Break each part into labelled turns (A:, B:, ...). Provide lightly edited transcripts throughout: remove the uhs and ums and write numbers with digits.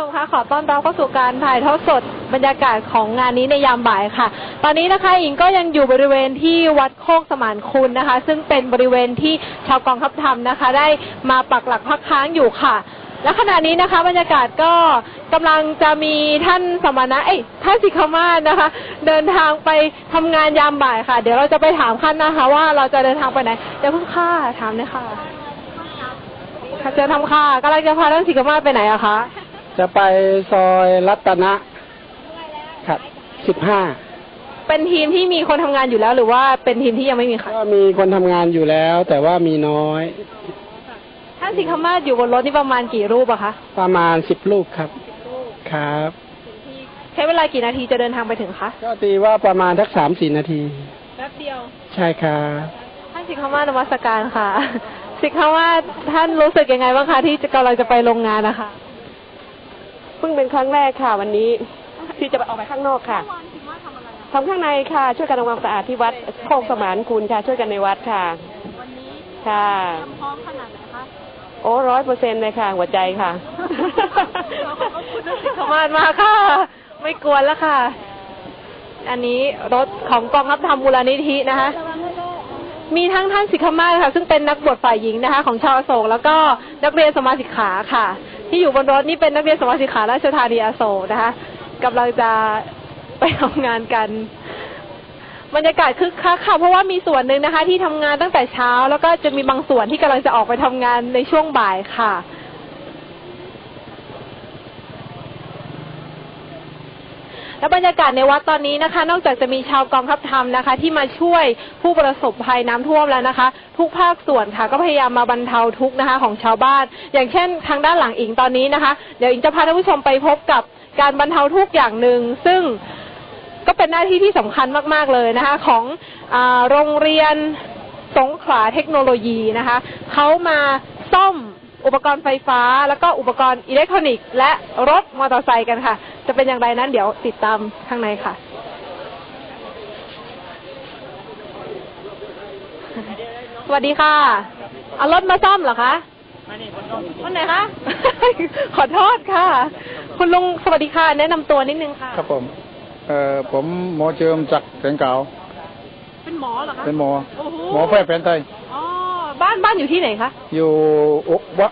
A: มคะขอต้อนรับเข้าสู่การถ่ายทอดสดบรรยากาศของงานนี้ในยามบ่ายค่ะตอนนี้นะคะอิงก็ยังอยู่บริเวณที่วัดโคกสมานคุณนะคะซึ่งเป็นบริเวณที่ชาวกองทัพธรรมนะคะได้มาปักหลักพักค้างอยู่ค่ะและขณะนี้นะคะบรรยากาศก็กำลังจะมีท่านสมณะท่านสิกขมาศนะคะเดินทางไปทำงานยามบ่ายค่ะเดี๋ยวเราจะไปถามท่านนะคะว่าเราจะเดินทางไปไหนเดี๋ยวเพิ่งค่ะถามเลยค่ะจะทำค่ะกำลังจะพาท่านสิกขมาศไปไหนอะคะ
B: จะไปซอยรัตนะครับ15
A: เป็นทีมที่มีคนทำงานอยู่แล้วหรือว่าเป็นทีมที่ยังไม่มีค่ะ
B: ก็มีคนทำงานอยู่แล้วแต่ว่ามีน้อย
A: ท่านสิกขมาศอยู่บนรถนี่ประมาณกี่รูปอะคะ
B: ประมาณ10รูปครับครับ
A: ใช้เวลากี่นาทีจะเดินทางไปถึงคะ
B: ก็ตีว่าประมาณสัก 3-4 นาที
A: แป๊บเดียว
B: ใช่ครับ
A: ท่านสิกขมาศนมัสการค่ะสิกขมาศท่านรู้สึกยังไงบ้างคะที่กำลังจะไปโรงงานนะคะ
C: เพิ่งเป็นครั้งแรกค่ะวันนี้ที่จะออกไปข้างนอกค่ะทำข้างในค่ะช่วยกันทำความสะอาดที่วัดโคกสมานคุณค่ะช่วยกันในวัดค่ะ
A: วันนี้
C: ค่ะ
A: พร้อมขนาดไหนคะ
C: โอ้100%เลยค่ะหัวใจค่ะ
A: ขอบคุณท่านสิกขมาศมากค่ะไม่กวนแล้วค่ะอันนี้รถของกองทัพธรรมมูลนิธินะคะมีทั้งท่านสิกขมาศค่ะซึ่งเป็นนักบวชฝ่ายหญิงนะคะของชาวอโศกแล้วก็นักเรียนสมาสิกขาค่ะที่อยู่บนรถนี่เป็นนักเรียนสมาสิกขาราชธานีอโศกนะคะกำลังจะไปทำงานกันบรรยากาศคึกคักค่ะเพราะว่ามีส่วนหนึ่งนะคะที่ทำงานตั้งแต่เช้าแล้วก็จะมีบางส่วนที่กำลังจะออกไปทำงานในช่วงบ่ายค่ะและบรรยากาศในวัดตอนนี้นะคะนอกจากจะมีชาวกองทัพธรรมนะคะที่มาช่วยผู้ประสบภัยน้ำท่วมแล้วนะคะทุกภาคส่วนค่ะก็พยายามมาบรรเทาทุกข์นะคะของชาวบ้านอย่างเช่นทางด้านหลังอิงตอนนี้นะคะเดี๋ยวอิงจะพาท่านผู้ชมไปพบกับการบรรเทาทุกข์อย่างหนึ่งซึ่งก็เป็นหน้าที่ที่สำคัญมากๆเลยนะคะของโรงเรียนสงขลาเทคโนโลยีนะคะเขามาซ่อมอุปกรณ์ไฟฟ้าแล้วก็อุปกรณ์อิเล็กทรอนิกส์และรถมอเตอร์ไซค์กันค่ะจะเป็นอย่างไรนั้นเดี๋ยวติดตามข้างในค่ะสวัสดีค่ะเอารถมาซ่อมเหรอคะคนไหนคะขอโทษค่ะคุณลุงสวัสดีค่ะแนะนำตัวนิดนึงค่ะ
B: ครับผมหมอเจิมจากแสงเก่า
A: เป็นหมอเหรอคะ
B: เป็นหมอแพทย์แผนไทย
A: อ๋อบ้านอยู่ที่ไหนคะ
B: อยู่วัด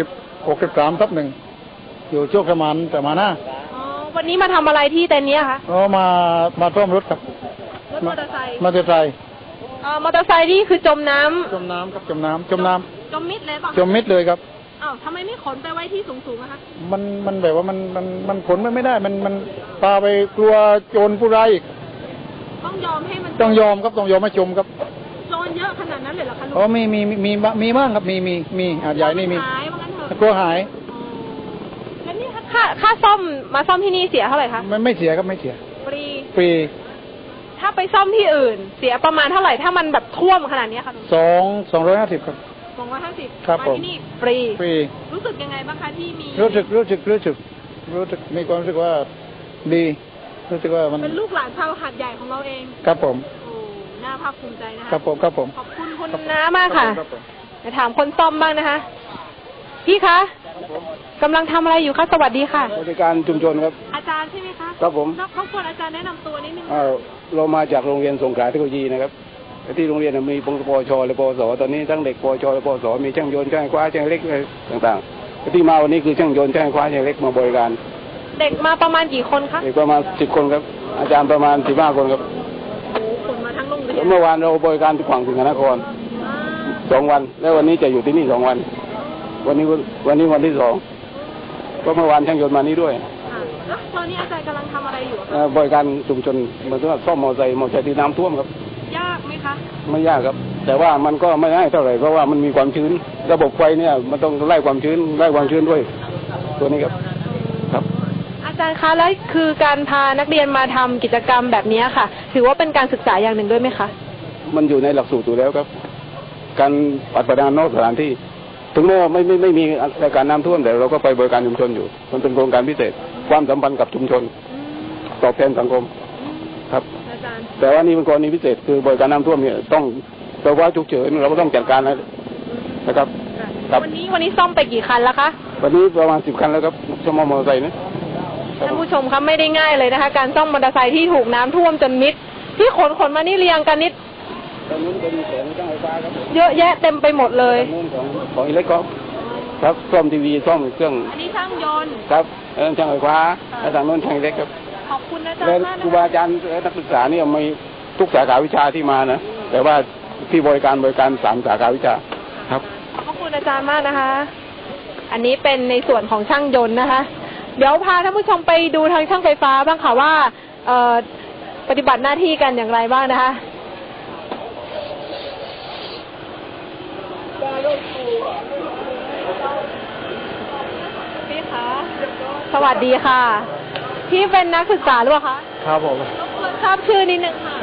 B: 63/1อยู่โชคสมานแต่มาหน้า
A: วันนี้มาทำอะไรที่เต็นท์นี้คะ
B: มาซ่อมรถครับ
A: รถมอเตอร์ไซค์
B: มอเตอร์ไซ
A: ค์นี่คือจมน้ำ
B: ครับจม
A: มิดเลยป่ะ
B: จมมิดเลยครับ
A: อ้าวทำไมไม่ขนไปไว้ที่สูงๆอะคะ
B: มันแบบว่ามันขนไม่ได้มันพาไปกลัวโจรผู้ร้ายอีก
A: ต้องยอมให้มัน
B: ต้องยอมครับต้องยอมให้จมครับ
A: โจรเยอะขนาดนั้นเลยเหรอคะลุง
B: อ๋อมีบ้างครับมีอาจใหญ่นี่มีกลัวหาย
A: แล้วนี่ค่าซ่อมมาซ่อมที่นี่เสียเท่าไหร่คะ
B: ไม่เสียครับไม่เสียฟรี
A: ถ้าไปซ่อมที่อื่นเสียประมาณเท่าไหร่ถ้ามันแบบท่วมขนาดนี้ค่ะ
B: 250ครับ
A: 250
B: ครับผม
A: ที่นี่ฟรีรู้สึกยังไงบ้างคะที่มี
B: รู้สึกมีความรู้สึกว่าดีรู้สึกว่ามัน
A: เป็นลูกหลานชาวหาดใหญ่ของเราเอง
B: ครับผม
A: โอ้น่าภาคภูมิใจนะคะ
B: ครับผม
A: ขอบคุณคุณน้ามากค่ะจะถามคนซ่อมบ้างนะคะพี่คะกำลังทำอะไรอยู่คะสวัสดีค่ะ
B: บริการชุมชนครับ
A: อาจารย์ใช่ไหมคะ
B: ครับผม
A: รบกวนอาจารย์แนะนำตัวนิดนึง
B: เรามาจากโรงเรียนสงขลาเทคโนโลยีนะครับที่โรงเรียนมีปวชและปวสตอนนี้ทั้งเด็กปวชและปวสมีช่างยนต์ช่างคว้าช่างเล็กต่างๆที่มาวันนี้คือช่างยนต์ช่างคว้าช่างเล็กมาบริการ
A: เด็กมาประมาณกี่คนคะ
B: เด็กประมาณ10 คนครับอาจารย์ประมาณ15 คนครับ
A: คนมาทั้งโรงเรียน
B: เมื่อวานเราบริการที่ขวางสิงห์นคร2 วันแล้ววันนี้จะอยู่ที่นี่2 วันวันนี้วันที่2ก็เมื่อวานช่างยนต์มานี่ด้วย
A: แล้วตอนนี้อาจารย์กำลังทำอะไรอยู่
B: บริการชุมชนเหมือนว่าซ่อมมอเตอร์ไซค์ที่น้ำท่วมครับ
A: ยากไหมคะ
B: ไม่ยากครับแต่ว่ามันก็ไม่ง่ายเท่าไหร่เพราะว่ามันมีความชื้นระบบไฟเนี่ยมันต้องไล่ความชื้นด้วยตัวนี้ครับ
A: อาจารย์คะแล้วคือการพานักเรียนมาทำกิจกรรมแบบนี้ค่ะถือว่าเป็นการศึกษาอย่างหนึ่งด้วยไหมคะ
B: มันอยู่ในหลักสูตรอยู่แล้วครับการปฏิบัติงานนอกสถานที่ถึงแม้ว่าไม่มีรายการน้ำท่วมแต่เราก็ไปบริการชุมชนอยู่มันเป็นโครงการพิเศษความสัมพันธ์กับชุมชนตอบแทนสังคมครับแต่ว่านี่เป็นกรณีพิเศษคือบริการน้ำท่วมเนี่ยต้องภาวะฉุกเฉินเราก็ต้องจัดการนะครับ
A: วันนี้ซ่อมไปกี่คันแล้วคะ
B: วันนี้ประมาณ10 คันแล้วครับเฉพาะมอเตอร์ไซค์นะ
A: ท่านผู้ชมครับไม่ได้ง่ายเลยนะคะ การซ่อมมอเตอร์ไซค์ที่ถูกน้ำท่วมจนมิดที่ขนมานี่เรียงกันนิด
B: ตรงนู้นเป็นของช่างไฟฟ้าครับ
A: เยอะแยะเต็มไปหมดเลย
B: ตรงนู้นของอิเล็กทรอนิกส์ครับซ่อมทีวีซ่อมเครื่อง
A: อันนี้ช่างยนต์
B: ครับช่างไฟฟ้าแล้วทางโน้นช่างอิเล็กครับ
A: ขอบคุณอาจาร
B: และ
A: ย์มาก
B: ครู
A: นะ
B: บาอาจารย์และนักศึกษาเนี่ยมีทุกสาขาวิชาที่มานะแต่ว่าที่บริการ3 สาขาวิชาครับ
A: ขอบคุณอาจารย์มากนะคะ อันนี้เป็นในส่วนของช่างยนต์นะคะ เดี๋ยวพาท่านผู้ชมไปดูทางช่างไฟฟ้าบ้างค่ะว่าปฏิบัติหน้าที่กันอย่างไรบ้างนะคะพี่คะสวัสดีค่ะ พี่เป็นนักศึกษาหรือเปล่าคะ
D: ครับผม
A: รบกวนทราบชื่อนิดนึงค่ะ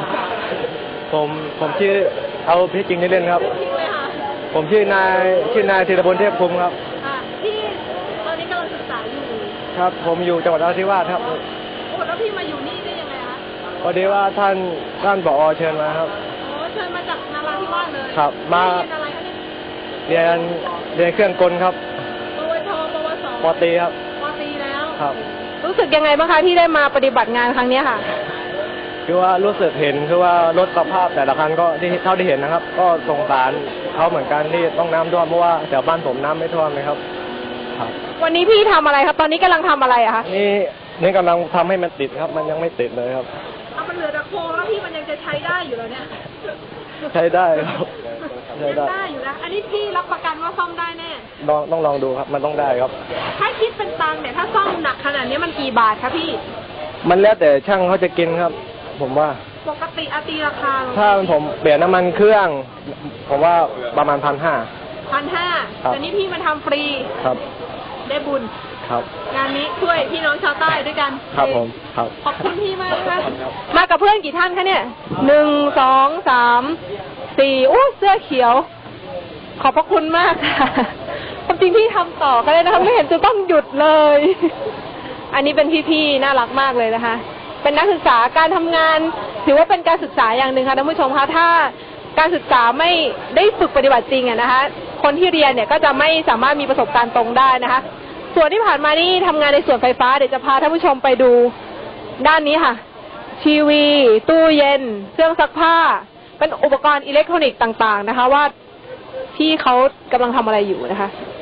D: ผมชื่อเอาพี่จริงนี่เล่นครับ
A: จริงเลยค่ะ
D: ผมชื่อนายธีรพลเทพภูมิครับ
A: พี่ตอนนี้กำลังศึกษาอยู่
D: ครับ ผมอยู่จังหวัดนราธิวาสครับ
A: โอ้แล้วพี่มาอยู่นี่ได้ยังไงคะ
D: พอดีว่าท่านผอ.เชิญมาครับ
A: โอ้เชิญมาจากนราธิวาสเลย
D: ครับมา
A: เรียนอะไรคะเนี่ย
D: เรียนเครื่องกลครับ
A: ปวชปวส
D: ป.ตรีครับ
A: ปตรีแล้ว
D: ครับ
A: รู้สึกยังไงบ้างคะที่ได้มาปฏิบัติงานครั้งนี้ค่ะ
D: คือว่ารู้สึกเห็นคือว่ารถสภาพแต่ละคันก็ที่เท่าที่เห็นนะครับ ก็สงสารเขาเหมือนกันที่ต้องน้ำท่วมเพราะว่าแถวบ้านผมน้ำไม่ท่วมเลยครับ ครับ
A: วันนี้พี่ทำอะไรครับ ตอนนี้กำลังทำอะไรอะคะ
D: นี่กำลังทำให้มันติดครับ มันยังไม่ติดเลยครับ
A: เอามันเหลือแต่โครงแล้วพี่มันยังจะใช้ได้อยู่แล้วเนี่ย
D: ใช้ได้ครับใช้
A: ยัง
D: ได้
A: ได้อยู่นะ อันนี้พี่รับประกันว่าซ่อมได้แน่
D: ต้องลองดูครับ มันต้องได้ครับ
A: ถ้าคิดเป็นตังค์เนี่ยถ้าซ่อมหนักขนาดนี้มันกี่บาทคะพี่
D: มันแล้วแต่ช่างเขาจะกินครับ ผมว่า
A: ปกติอาตีราคา
D: ถ้าผมเปลี่ยนน้ำมันเครื่อง ผมว่าประมาณ1,500
A: 1,500
D: ครับ
A: แต่นี่พี่มาทำฟรี
D: ครับ
A: ได้บุญ
D: ครับ
A: งานนี้ช่วยพี่น้องชาวใต้ด้วยกัน
D: ครับผมครับ
A: ขอบคุณพี่มากนะคะมากับเพื่อนกี่ท่านคะเนี่ย1 2 3 4อู้เสื้อเขียว ขอบพระคุณมากค่ะความจริงพี่ทำต่อก็ได้นะคะไม่เห็นจะต้องหยุดเลย อันนี้เป็นพี่ๆน่ารักมากเลยนะคะ เป็นนักศึกษาการทำงานถือว่าเป็นการศึกษาอย่างหนึ่งค่ะท่านผู้ชมคะถ้าการศึกษาไม่ได้ฝึกปฏิบัติจริงอะนะคะ คนที่เรียนเนี่ยก็จะไม่สามารถมีประสบการณ์ตรงได้นะคะ ส่วนที่ผ่านมานี่ทำงานในส่วนไฟฟ้าเดี๋ยวจะพาท่านผู้ชมไปดูด้านนี้ค่ะ ทีวี ตู้เย็น เครื่องซักผ้า เป็นอุปกรณ์อิเล็กทรอนิกส์ต่างๆนะคะ ว่าที่เขากำลังทำอะไรอยู่นะคะ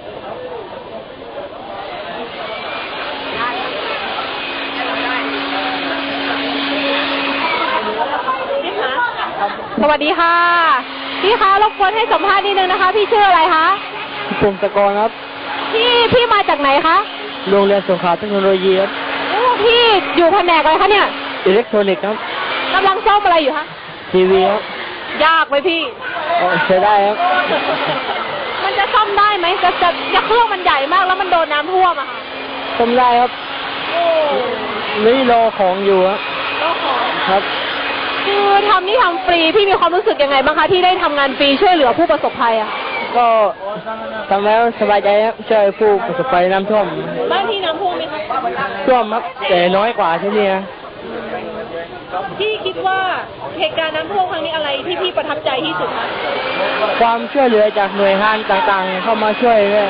A: สวัสดีค่ะพี่คะรบกวนให้สัมภาษณ์นิดนึงนะคะ พี่ชื่ออะไรคะ
D: พงศกรครับ
A: พี่มาจากไหนคะ
D: โรงเรียนสงขลาเทคโนโลยีครับ
A: โอ้พี่อยู่แผนกอะไรคะเนี่ย
D: อิเล็กทรอนิกส์ครับ
A: กำลังซ่อมอะไรอยู่คะ
D: ทีวีครับ
A: ยากไหมพี่
D: ใช้ได้ครับ
A: มันจะซ่อมได้ไหมจะเครื่องมันใหญ่มากแล้วมันโดนน้ำท่วมอะค่ะ
D: ซ่อมได้ครับ
A: โอ้
D: นี่รอของอยู่ครับ
A: ก็ขอ
D: ครับ
A: คือทำฟรีพี่มีความรู้สึกยังไงบ้างคะที่ได้ทำงานฟรีช่วยเหลือผู้ประสบภัยอะ
D: ก็ทำแล้วสบายใจครับช่วยผู้ประสบภัยน้ำท่วม
A: บ้านที่น้ำท่วมไหมคะ
D: ท่วมครับแต่น้อยกว่าที่นี่นะ
A: พี่คิดว่าเหตุการณ์น้ำท่วมครั้งนี้อะไรที่พี่ประทับใจที่สุดคะ
D: ความช่วยเหลือจากหน่วยงานต่างๆ เข้ามาช่วยด้วย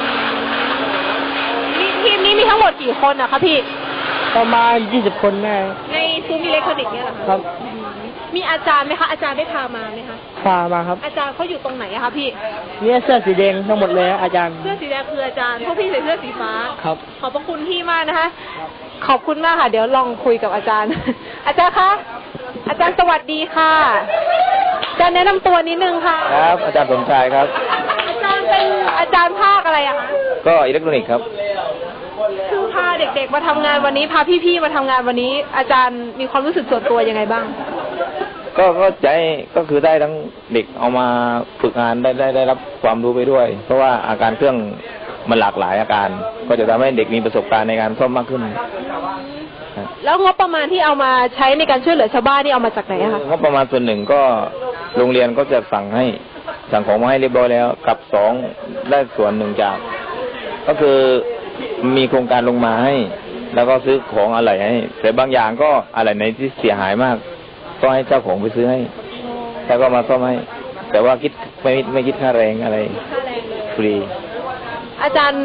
A: ทีมนี้มีทั้งหมดกี่คนอะคะพี่
D: ประมาณ20 คนแน่
A: ในซุ้มอิเล็กทรอนิกส์เนี่ยเหรอคะ
D: ครับ
A: มีอาจารย์ไหมคะอาจารย์ได้พามาไหมคะ
D: พามาครับ
A: อาจารย์เขาอยู่ตรงไหนอะคะพี่
D: เนี่ยเสื้อสีแดงทั้งหมดเลยอาจารย์
A: เสื้อสีแดงคืออาจารย์พวกพี่ใส่เสื้อสีฟ้า
D: ครับ
A: ขอบพระคุณพี่มากนะคะ ขอบคุณมากค่ะ เดี๋ยวลองคุยกับอาจารย์ อาจารย์คะ อาจารย์สวัสดีค่ะ อาจารย์แนะนำตัวนิดนึงค่ะ
E: ครับอาจารย์สมชายครับ
A: อาจารย์เป็นอาจารย์ภาคอะไรอะคะ
E: ก็อิเล็กทรอนิกส์ครับ
A: คือพาเด็กๆมาทำงานวันนี้พาพี่ๆมาทำงานวันนี้ อาจารย์มีความรู้สึกส่วนตัวยังไงบ้าง
E: ก็ใจก็คือได้ทั้งเด็กเอามาฝึกงานได้รับความรู้ไปด้วย เพราะว่าอาการเครื่องมันหลากหลายอาการ ก็จะทำให้เด็กมีประสบการณ์ในการซ่อมมากขึ้น
A: แล้วงบประมาณที่เอามาใช้ในการช่วยเหลือชาวบ้านนี่เอามาจากไหนอะคะ
E: งบประมาณส่วนหนึ่งก็โรงเรียนก็จะสั่งของมาให้เรียบร้อยแล้ว กับ2ได้ส่วนหนึ่งจาก ก็คือมีโครงการลงมาให้ แล้วก็ซื้อของอะไรให้แต่บางอย่างก็อะไรไหนที่เสียหายมากก็ให้เจ้าของไปซื้อให้แล้วก็มาซ่อมให้แต่ว่าคิดไม่คิดค่าแรงอะไรฟรี
A: อาจารย์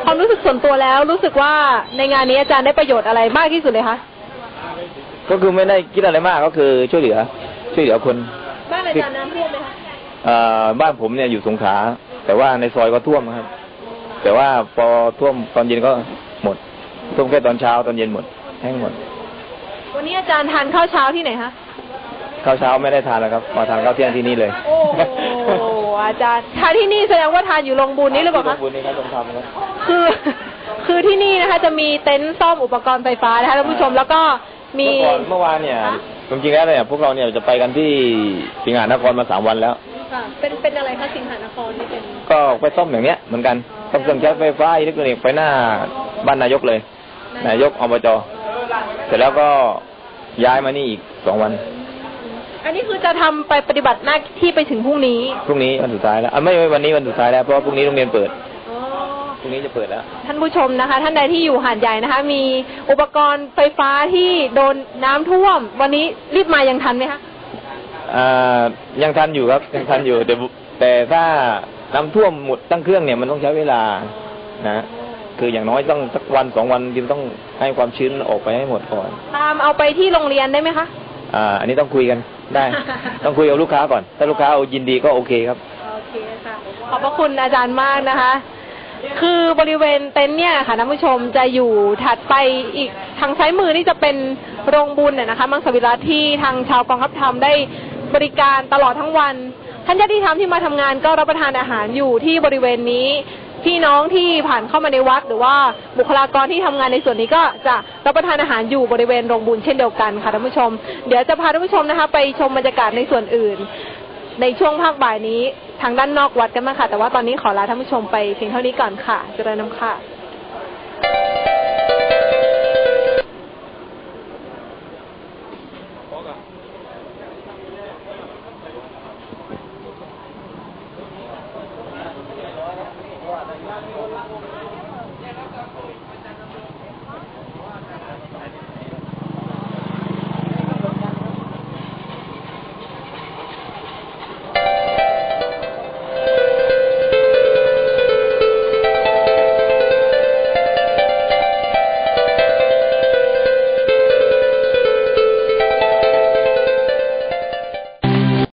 A: ความรู้สึกส่วนตัวแล้วรู้สึกว่าในงานนี้อาจารย์ได้ประโยชน์อะไรมากที่สุดเลยคะ
E: ก็คือไม่ได้คิดอะไรมากก็คือช่วยเหลือคน
A: บ้านอาจารย์น้ำท่วมไหมคะ
E: บ้านผมเนี่ยอยู่สงขลาแต่ว่าในซอยก็ท่วมครับ แต่ว่าพอท่วมตอนเย็นก็หมดท่วมแค่ตอนเช้าตอนเย็นหมดแห้งหมด
A: วันนี้อาจารย์ทานข้าวเช้าที่ไหนคะ
E: ข้าวเช้าไม่ได้ทานแล้วครับมาทานข้าวเที่ยงที่นี่เลย
A: โอ้อาจารย์ทานที่นี่แสดงว่าทานอยู่โรงบุญนี้หรือเปล่าคะ
E: โรงบุญนี่ครับโรงธรรมครับ
A: คือที่นี่นะคะจะมีเต็นท์ซ่อมอุปกรณ์ไฟฟ้านะคะท่านผู้ชมแล้วก็มี
E: เมื่อวานเนี่ยจริงๆแล้วเนี่ยพวกเราเนี่ยจะไปกันที่สิงหานครมา3 วันแล้ว
A: ค่ะเป็นอะไรคะสิงหานครนี่เป็น
E: ก็ไปซ่อมอย่างเนี้ยเหมือนกันซ่อมเครื่องใช้ไฟฟ้าอิเล็กทรอนิกส์ไปหน้าบ้านนายกเลยนายกอบจเสร็จแล้วก็ย้ายมานี่อีก2 วัน
A: อันนี้คือจะทำไปปฏิบัติหน้าที่ไปถึงพรุ่งนี้
E: วันสุดท้ายแล้วไม่วันนี้วันสุดท้ายแล้วเพราะว่าพรุ่งนี้โรงเรียนเปิดพรุ่งนี้จะเปิดแล้ว
A: ท่านผู้ชมนะคะท่านใดที่อยู่หาดใหญ่นะคะมีอุปกรณ์ไฟฟ้าที่โดนน้ำท่วมวันนี้รีบมายังทันไหมคะ
E: ยังทันอยู่ครับยังทันอยู่แต่ถ้าน้ำท่วมหมดตั้งเครื่องเนี่ยมันต้องใช้เวลานะคืออย่างน้อยต้องสักวัน2 วันจึงต้องให้ความชื้นออกไปให้หมดก่อน
A: ตามเอาไปที่โรงเรียนได้ไหมคะ
E: อันนี้ต้องคุยกันได้ ต้องคุยกับลูกค้าก่อนถ้าลูกค้าเอายินดีก็โอเคครับ
A: โอเคค่ะขอบพระคุณอาจารย์มากนะคะคือบริเวณเต็นท์เนี่ยค่ะท่านผู้ชมจะอยู่ถัดไปอีกทางซ้ายมือนี่จะเป็นโรงบุญนะคะมังสวิรัติที่ทางชาวกองทัพธรรมได้บริการตลอดทั้งวันท่านญาติธรรมที่มาทำงานก็รับประทานอาหารอยู่ที่บริเวณนี้พี่น้องที่ผ่านเข้ามาในวัดหรือว่าบุคลากรที่ทำงานในส่วนนี้ก็จะรับประทานอาหารอยู่บริเวณโรงบุญเช่นเดียวกันค่ะท่านผู้ชมเดี๋ยวจะพาท่านผู้ชมนะคะไปชมบรรยากาศในส่วนอื่นในช่วงภาคบ่ายนี้ทางด้านนอกวัดกันมาค่ะแต่ว่าตอนนี้ขอลาท่านผู้ชมไปเพียงเท่านี้ก่อนค่ะเจริญนำค่ะ